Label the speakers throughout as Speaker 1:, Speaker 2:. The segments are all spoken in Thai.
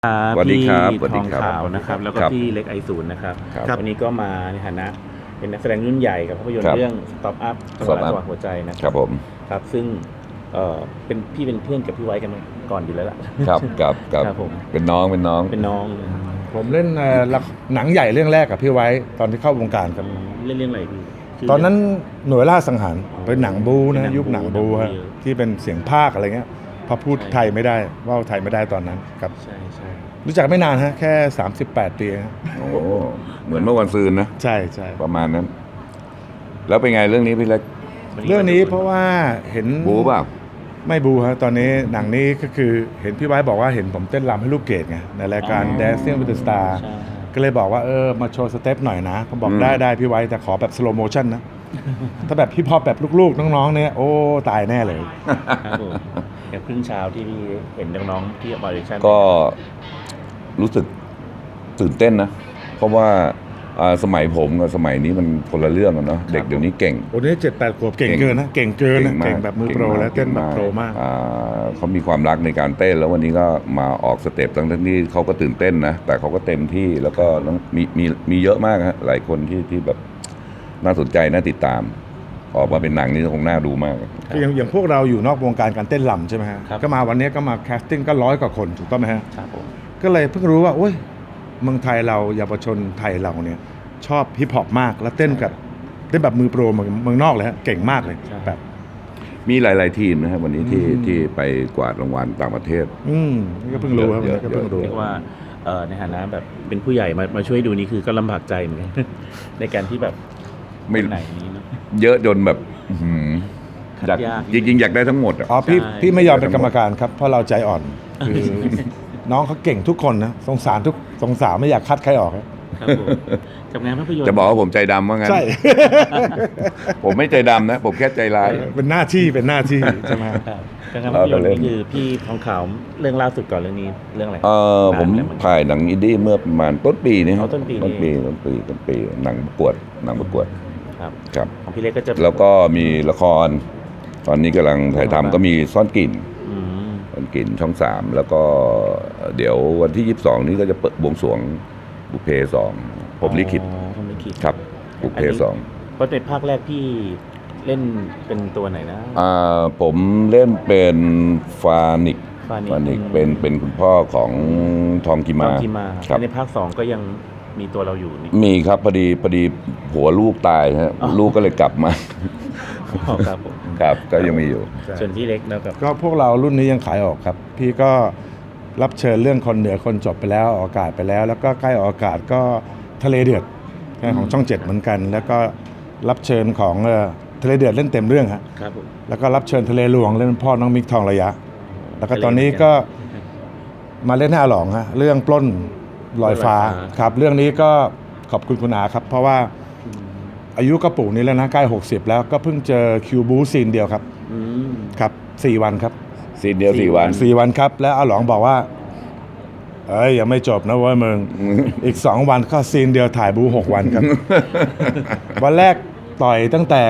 Speaker 1: สวัสดี
Speaker 2: พี่
Speaker 1: ครับ
Speaker 2: ทองขาวนะครับแล้วก็พี่เล็กไอศูนย์นะครับวันนี้ก็มาในฐานะเป็นนักแสดงรุ่นใหญ่กับภาพยนตร์เรื่อง Stop Up จังหวะจังหวะหัวใจนะครับ
Speaker 1: ผม
Speaker 2: ครับซึ่งเป็นพี่เป็นเพื่อนกับพี่ไว้กันก่อนอยู่แล้วล่ะ
Speaker 1: ครับ
Speaker 2: ผม
Speaker 1: เป็นน้อง
Speaker 3: ผมเล่นหนังใหญ่เรื่องแรกกับพี่ไว้ตอนที่เข้าวงการครับ
Speaker 2: เรื่องอะไรพี่
Speaker 3: ตอนนั้นหน่วยล่าสังหารเป็นหนังบูนะยุคหนังบูฮะที่เป็นเสียงภาคอะไรเงี้ยพอพูดไทยไม่ได้ว่าไทยไม่ได้ตอนนั้นครับ
Speaker 2: ใช่
Speaker 3: รู้จักไม่นานฮะแค่38 ปีฮะ
Speaker 1: โอ้เหมือนเมื่อวันซืนนะ
Speaker 3: ใช่
Speaker 1: ประมาณนั้นแล้วเป็นไงเรื่องนี้พี่เล็ก
Speaker 3: เรื่องนี้เพราะว่าเห็น
Speaker 1: บูเปล่า
Speaker 3: ไม่บูฮะตอนนี้หนังนี้ก็คือเห็นพี่ไว้บอกว่าเห็นผมเต้นรำให้ลูกเกดไงในรายการ Dancing with the Star ก็เลยบอกว่ามาโชว์สเต็ปหน่อยนะผมบอกได้พี่ไว้แต่ขอแบบสโลโมชั่นนะถ้าแบบฮิปฮอปแบบลูกๆน้องๆเนี่ยโอ้ตายแน่เลย
Speaker 2: ครับผมอย่างครึ่งเช้าที่พี่เห็นน้องๆที่บริษัท
Speaker 1: ก็รู้สึกตื่นเต้นนะเพราะว่าสมัยผมกับสมัยนี้มันคนละเรื่องกันเนาะเด็กเดี๋ยวนี้เก่ง
Speaker 3: โอ้นี่7-8 ขวบเก่งเกินนะเก่งเกินนะเก่งแบบมือโปรแล้วเต้นแบบโปรมาก
Speaker 1: เขามีความรักในการเต้นแล้ววันนี้ก็มาออกสเต็ปทั้งที่เขาก็ตื่นเต้นนะแต่เขาก็เต็มที่แล้วก็มีเยอะมากฮะหลายคนที่แบบน่าสนใจน่าติดตามออกมาเป็นหนังนี่คงน่าดูมาก
Speaker 3: อย่างพวกเราอยู่นอกวงการการเต้นรำใช่ไหมฮะก็มาวันนี้ก็มาแคสติ้งก็100 กว่าคนถูกต้องไหมฮะก็เลยเพิ่งรู้ว่าโอ้ยเมืองไทยเราเยาวชนไทยเราเนี่ยชอบฮิปฮอปมากแล้วเต้นแบบมือโปรเมืองนอกเลยฮะเก่งมากเลยแบบ
Speaker 1: มีหลายๆทีมนะครับวันนี้ที่ไปกวาดรางวัลต่างประเทศ
Speaker 3: นี่ก็เพิ่งรู้ครับก็เพิ่งรู้
Speaker 2: เรียกว่าในฐานะแบบเป็นผู้ใหญ่มาช่วยดูนี่คือก็ลำบากใจเหมือนกันในการที่แบบ
Speaker 1: ไม่
Speaker 2: ไหนนี้เนาะ
Speaker 1: เยอะจนแบบจริงอยากได้ทั้งหมด
Speaker 3: อ๋อพี่ไม่ยอมเป็นกรรมการครับเพราะเราใจอ่อนคือน้องเขาเก่งทุกคนนะสงสารไม่อยากคัดใครออก
Speaker 2: ครับผมกับงานภาพยนตร์
Speaker 1: จะบอกว่าผมใจดำว่างั้น
Speaker 3: ใช่
Speaker 1: ผมไม่ใจดำนะผมแค่ใจร้าย
Speaker 3: เป็นหน้าที่ใช่ไหม
Speaker 2: งานภาพยนตร์นี่คือพี่ทองขาวเรื่องล่าสุดก่อนเรื่องนี้เรื่องอะไร
Speaker 1: ผมถ่ายหนังอินดี้เมื่อประมาณต้นปีนี้
Speaker 2: ต้นปี
Speaker 1: หนังประกวดครับ
Speaker 2: ของพี่เล็กก็จะ
Speaker 1: แล้วก็มีละครตอนนี้กำลังถ่ายทำก็มีซ่อนกลิ่นช่อง3แล้วก็เดี๋ยววันที่22นี้ก็จะเปิดบวงสรวงบุพเพ2ผมลิขิตครับบุพเพ2
Speaker 2: เพราะในภาคแรกพี่เล่นเป็นตัวไหนนะ
Speaker 1: ผมเล่นเป็นฟานิกเป็นคุณพ่อของทองกิมา
Speaker 2: ครับในภาค2ก็ยังมีตัวเราอยู่นี่
Speaker 1: มีครับพอดีหัวลูกตายฮะลูกก็เลยกลับมา
Speaker 2: ครับผม
Speaker 1: ครับก็ยังมีอยู่
Speaker 2: ส่วนที่เล็กนะครับ
Speaker 3: ก็พวกเรารุ่นนี้ยังขายออกครับพี่ก็รับเชิญเรื่องคนเหนือคนจบไปแล้วออกอากาศไปแล้วแล้วก็ใกล้ออกอากาศก็ทะเลเดือดของช่อง7เหมือนกันแล้วก็รับเชิญของทะเลเดือดเล่นเต็มเรื่องฮะแล้วก็รับเชิญทะเลหลวงเล่นพ่อน้องมิกทองระยะแล้วก็ตอนนี้ก็มาเล่นให้อาหลองฮะเรื่องปล้นลอยฟ้าครับเรื่องนี้ก็ขอบคุณคุณอาครับเพราะว่าอายุก็ปู่นี้แล้วนะใกล้60แล้วก็เพิ่งเจอคิวบูซีนเดียวครับครับ4 วันครับ
Speaker 1: ซีนเดียว
Speaker 3: 4 วันครับแล้วอาหลองบอกว่ายังไม่จบนะเว้ยมึงอีก2 วันก็ซีนเดียวถ่ายบู6 วันครับวันแรกต่อยตั้งแต่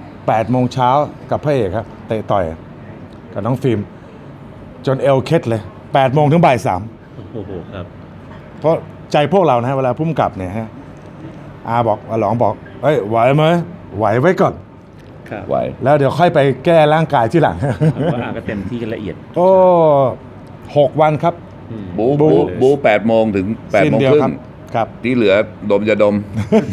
Speaker 3: 8 โมงเช้ากับพระเอกครับเตะต่อยกับน้องฟิล์มจนเอลเคล็ดเลย8 โมงถึงบ่าย 3
Speaker 2: โอ้โหครับ
Speaker 3: เพราะใจพวกเรานะเวลาพุ่มกลับเนี่ยฮะอาบอกอาหลองบอกไหวไหมไหวไว้ก่อน
Speaker 1: ไหว
Speaker 3: แล้วเดี๋ยวค่อยไปแก้ร่างกายที่หลัง
Speaker 2: ว่าอาก็เต็มที่กันละเอียด
Speaker 3: โอ้6 วันครับ
Speaker 1: บู8 โมงถึง8 โมงครึ่ง
Speaker 3: ครับ
Speaker 1: ที่เหลือดมจะดม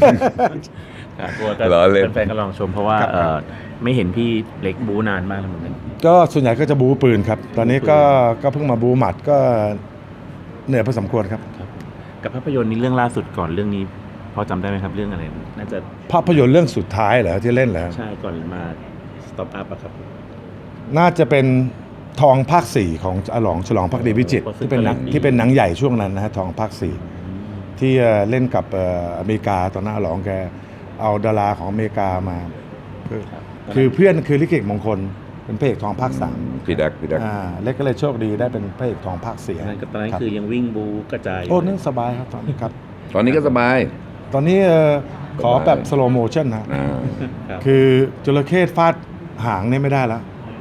Speaker 2: แฟนๆก็ลองชมเพราะว่าไม่เห็นพี่เล็กบูนานมากแล้วเหมือนกัน
Speaker 3: ก็ส่วนใหญ่ก็จะบูปืนครับตอนนี้ก็เพิ่งมาบูหมัดก็เหนื่อยพอสมควรครับ
Speaker 2: กับภาพยนตร์นี้เรื่องล่าสุดก่อนเรื่องนี้พอจำได้ไหมครับเรื่องอะไรน่าจะ
Speaker 3: ภาพยนตร์เรื่องสุดท้ายเหรอที่เล่นแล้ว
Speaker 2: ใช่ก่อนมา Stop Up อะครับ
Speaker 3: น่าจะเป็นทองภาค 4ของอาหลองฉลองภักดีวิจิตรที่เป็นหนังใหญ่ช่วงนั้นนะฮะทองภาค 4ที่เล่นกับอเมริกาตอนนั้นอาหลองแกเอาดาราของอเมริกามาคือเพื่อนคือลิเกมงคลเป็นพระเอกทองภาค 3
Speaker 1: พี่ดัก
Speaker 3: เล็กก็เลยโชคดีได้เป็นพระเอกทองภาค 4
Speaker 2: นั่นก็ตอนนั้นคือยังวิ่งบูกระจาย
Speaker 3: โอ้นั่นสบายครับตอนนี้ครับ
Speaker 1: ตอนนี้ก็สบาย
Speaker 3: ตอนนี้ขอแบบสโลโมชั่นนะคือจระเข้ฟาดหางเนี่ยไม่ได้แล้ว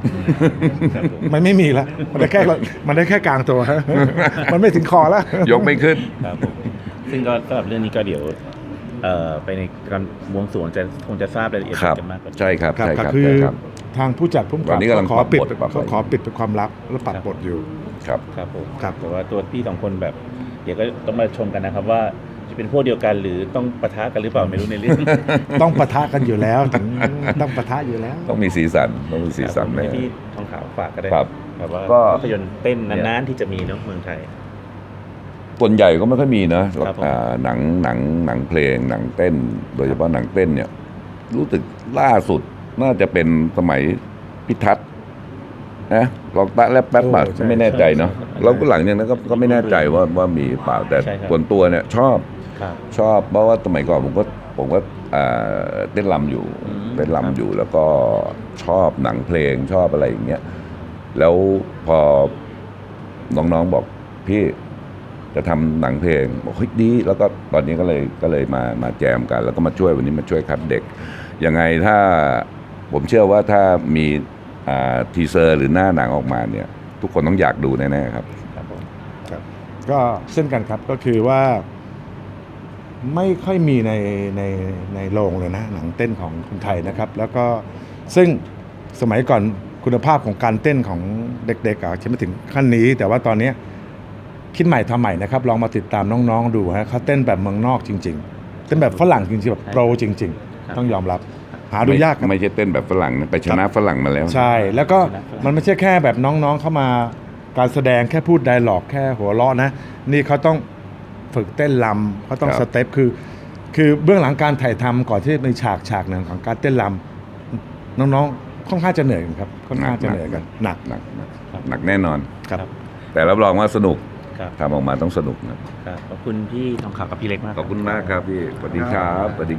Speaker 2: ครับผม
Speaker 3: มันไม่มีแล้วมันได้แค่กลางตัว มันไม่ถึงคอแล้ว
Speaker 1: ยกไม่ขึ้น
Speaker 2: ครับผมซึ่งก็สำหรับเรื่องนี้ก็เดี๋ยวไปในการบวงสรวงคงจะทราบรายละเอียด
Speaker 1: ครับ
Speaker 2: กันมากกว่านี้
Speaker 1: ใช่ครับ
Speaker 3: ครับ
Speaker 1: ใช่ครับ
Speaker 3: คือ
Speaker 1: ใช่ครับ
Speaker 3: ทางผู้จัดผู้กำ
Speaker 1: ตอนนี้กำลัง
Speaker 3: ขอปิด
Speaker 1: ปรับบท
Speaker 3: เขาขอปิดเป็นความลับแล้วปรับบทอยู่
Speaker 1: ครับ
Speaker 2: ครับผม
Speaker 3: ครับ
Speaker 2: แต่ว่าตัวพี่สองคนแบบ เดี๋ยวก็ต้องมาชมกันนะครับว่าจะเป็นพวกเดียวกันหรือต้องปะทะกันหรือเปล่าไม่รู้ในเรื่อง
Speaker 3: ต้องปะทะกันอยู่แล้วถึงต้องปะทะอยู่แล้ว
Speaker 1: ต้องมีสีสันต้องมีสีสัน
Speaker 2: ครับผม
Speaker 1: แน่
Speaker 2: ให้พี่ทองขาวฝากก็ได้
Speaker 1: ครับ
Speaker 2: แบบว่า
Speaker 1: ก็
Speaker 2: ภาพยนตร์เต้นนานๆที่จะมีเนาะเมืองไทย
Speaker 1: ส่วนใหญ่ก็ไม่ค่อยมีนะครับ
Speaker 2: ผม
Speaker 1: หนังเพลงหนังเต้น โดยเฉพาะหนังเต้นเนี่ย รู้สึกล่าสุดน่าจะเป็นสมัยพิทัศน์นะลองตะและแป๊บบัต
Speaker 3: ใช่
Speaker 1: ไม่แน่ใจเนาะ
Speaker 2: ใช่
Speaker 1: แล้วก็หลังจากนั้นก็ไม่แน่ใจว่ามีเปล่าแต่
Speaker 2: ใช่ครับ
Speaker 1: ส่วนตัวเนี่ยชอบ
Speaker 2: ครับ
Speaker 1: ชอบเพราะว่าสมัยก่อนผมก็เต้นรำอยู่
Speaker 2: อืม
Speaker 1: เต้นรำอยู่แล้วก็ชอบหนังเพลงชอบอะไรอย่างเงี้ยแล้วพอน้องๆบอกพี่จะทำหนังเพลงบอกเฮ้ยดี แล้วก็ตอนนี้ก็เลยมาแจมกัน แล้วก็มาช่วยวันนี้มาช่วยคัดเด็กยังไงถ้าผมเชื่อว่าถ้ามีทีเซอร์หรือหน้าหนังออกมาเนี่ย ทุกคนต้องอยากดูแน่ๆครับ
Speaker 2: ครับผม
Speaker 3: ครับก็เช่นกันครับก็คือว่าไม่ค่อยมีในโรงเลยนะหนังเต้นของคนไทยนะครับ แล้วก็ซึ่งสมัยก่อนคุณภาพของการเต้นของเด็กๆอาจจะไม่ถึงขั้นนี้ แต่ว่าตอนนี้คิดใหม่ทำใหม่นะครับลองมาติดตามน้องๆดูฮะเขาเต้นแบบเมืองนอกจริงๆเต้นแบบฝรั่งจริงๆแบบโปรจริง ๆ ต้องยอมรับหาดูยากครับ
Speaker 1: ไม่ใช่เต้นแบบฝรั่งนะไปชนะฝรั่งมาแล้ว
Speaker 3: ใช่แล้วก็มันไม่ใช่แค่แบบน้องๆเข้ามาการแสดงแค่พูดไดร็อกแค่หัวเราะนะนี่เขาต้องฝึกเต้นรำเขาต้อง
Speaker 1: ครับ
Speaker 3: สเต็ปคือเบื้องหลังการถ่ายทำก่อนที่มีฉากหนึ่งของการเต้นรำน้องๆค่อนข้างจะเหนื่อยกันครับค่อนข้างจะเหนื่อยกันหนัก
Speaker 1: หนักแน่นอน
Speaker 3: ครับ
Speaker 1: แต่รับรองว่าสนุก
Speaker 2: ครับ
Speaker 1: ทำออกมาต้องสนุกนะครับ
Speaker 2: ขอบคุณพี่ทองขาวกับพี่เล็กมาก
Speaker 1: ขอบคุณมากครับพี่สวัสดีครับสวัสดี